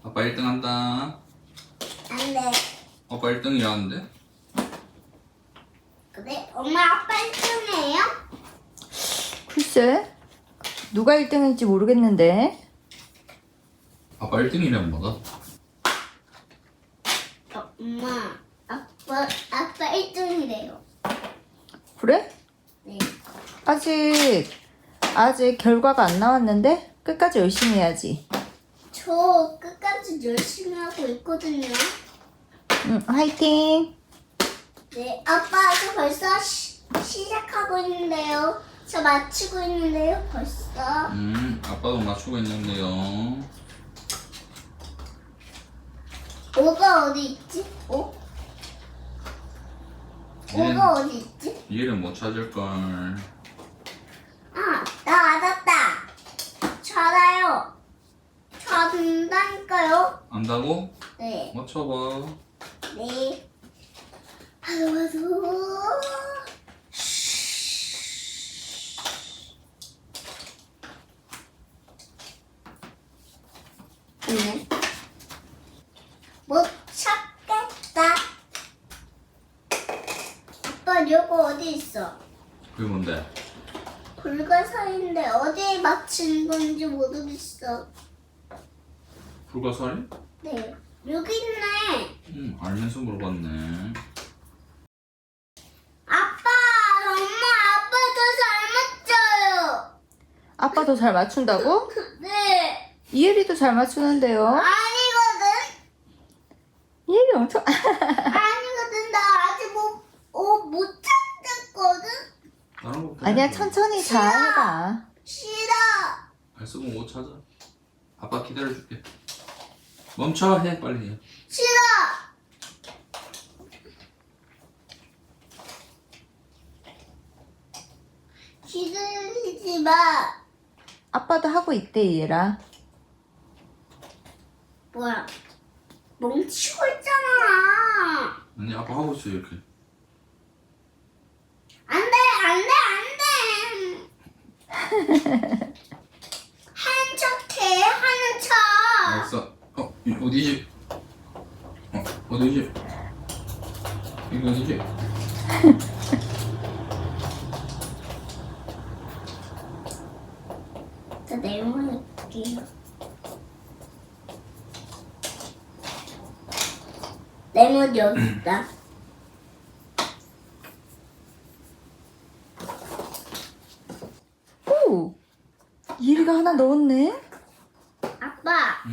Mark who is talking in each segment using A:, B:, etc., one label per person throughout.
A: 아빠 1등 한다.
B: 안 돼.
A: 아빠 1등이라는데?
B: 그래? 엄마 아빠 1등이에요?
C: 글쎄, 누가 1등인지 모르겠는데.
A: 아빠 1등이란 뭐다?
B: 엄마 아빠 1등이래요.
C: 그래?
B: 네.
C: 아직 결과가 안 나왔는데 끝까지 열심히 해야지.
B: 저 끝까지 열심히 하고 있거든요.
C: 응, 화이팅.
B: 네, 아빠 저 벌써 시작하고 있는데요. 저 맞추고 있는데요, 벌써.
A: 아빠도 맞추고 있는데요.
B: 오가 어디 있지? 오? 오가 어디 있지?
A: 얘를 못 찾을걸.
B: 아, 나 알았다. 저 알아요. 저 안다니까요.
A: 안다고?
B: 네.
A: 맞춰봐.
B: 네. 하루하루. 네. 못 찾겠다. 아빠 요거 어디 있어?
A: 그게 뭔데?
B: 불가사인데 어디에 맞춘 건지 모르겠어.
A: 불가사리?
B: 네. 여기 있네.
A: 알면서 물어봤네.
B: 아빠, 엄마, 아빠 더 잘 맞춰요.
C: 아빠도 잘 맞춘다고?
B: 네.
C: 이혜리도 잘 맞추는데요.
B: 아니거든.
C: 이혜리 엄청
B: 아니거든. 나 아직 못 찾았거든.
A: 다른 거
C: 아니야, 천천히 잘 해봐.
B: 싫어.
A: 발 쓰고 못 찾아. 아빠 기다려줄게. 멈춰 해 빨리 해.
B: 싫어. 기다리지 마.
C: 아빠도 하고 있대, 이혜라.
B: 뭐야? 멈추고 있잖아.
A: 아니 아빠 하고 있어 이렇게.
B: 안 돼, 안 돼, 안 돼. 하는 척 해, 하는 척.
A: 알았어. 어디지? 어디지? 이거 어디지?
B: 저 네모를 볼게요. 네모 여기 있다.
C: 오! 이혜리가 하나 넣었네?
B: 아빠,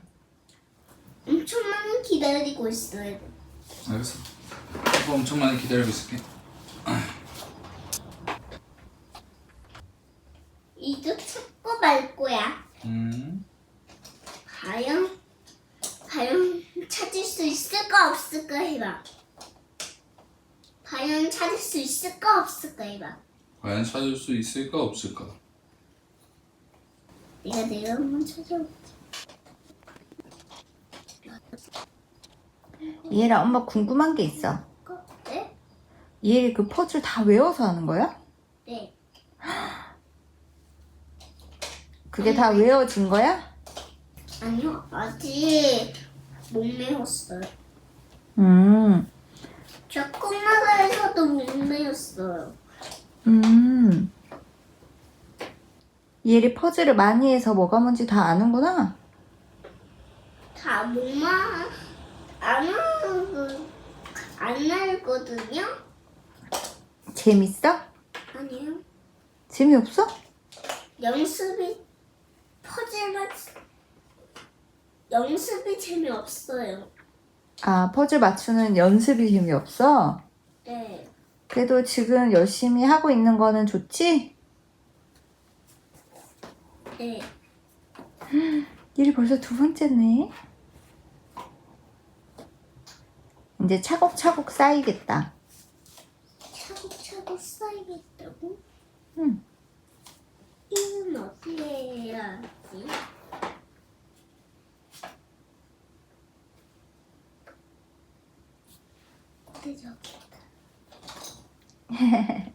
B: 엄청 많이 기다리고 있어요.
A: 알겠어. 아빠 엄청 많이 기다리고 있을게.
B: 이거 찾고 말 거야. 과연 찾을 수 있을까 없을까 해봐. 과연 찾을 수 있을까 없을까 해봐.
A: 과연 찾을 수 있을까 없을까?
B: 내가 한번 찾아볼게.
C: 이혜라, 엄마 궁금한 게 있어.
B: 네?
C: 이혜리 그 퍼즐 다 외워서 하는 거야?
B: 네.
C: 그게 다 외워진 거야?
B: 아니요, 아직 못 외웠어요.
C: 음,
B: 저 꿈나라에서도 못 외웠어요.
C: 이혜리 퍼즐을 많이 해서 뭐가 뭔지 다 아는구나?
B: 다 뭐만 안 알거든요?
C: 재밌어?
B: 아니요.
C: 재미없어?
B: 연습이 재미없어요.
C: 아, 퍼즐 맞추는 연습이 재미없어?
B: 네.
C: 그래도 지금 열심히 하고 있는 거는 좋지?
B: 네.
C: 이혜리 벌써 두 번째네. 이제 차곡차곡 쌓이겠다.
B: 차곡차곡 쌓이겠다고?
C: 응.
B: 이건 어떻게 해야지? 어디 저기 있다.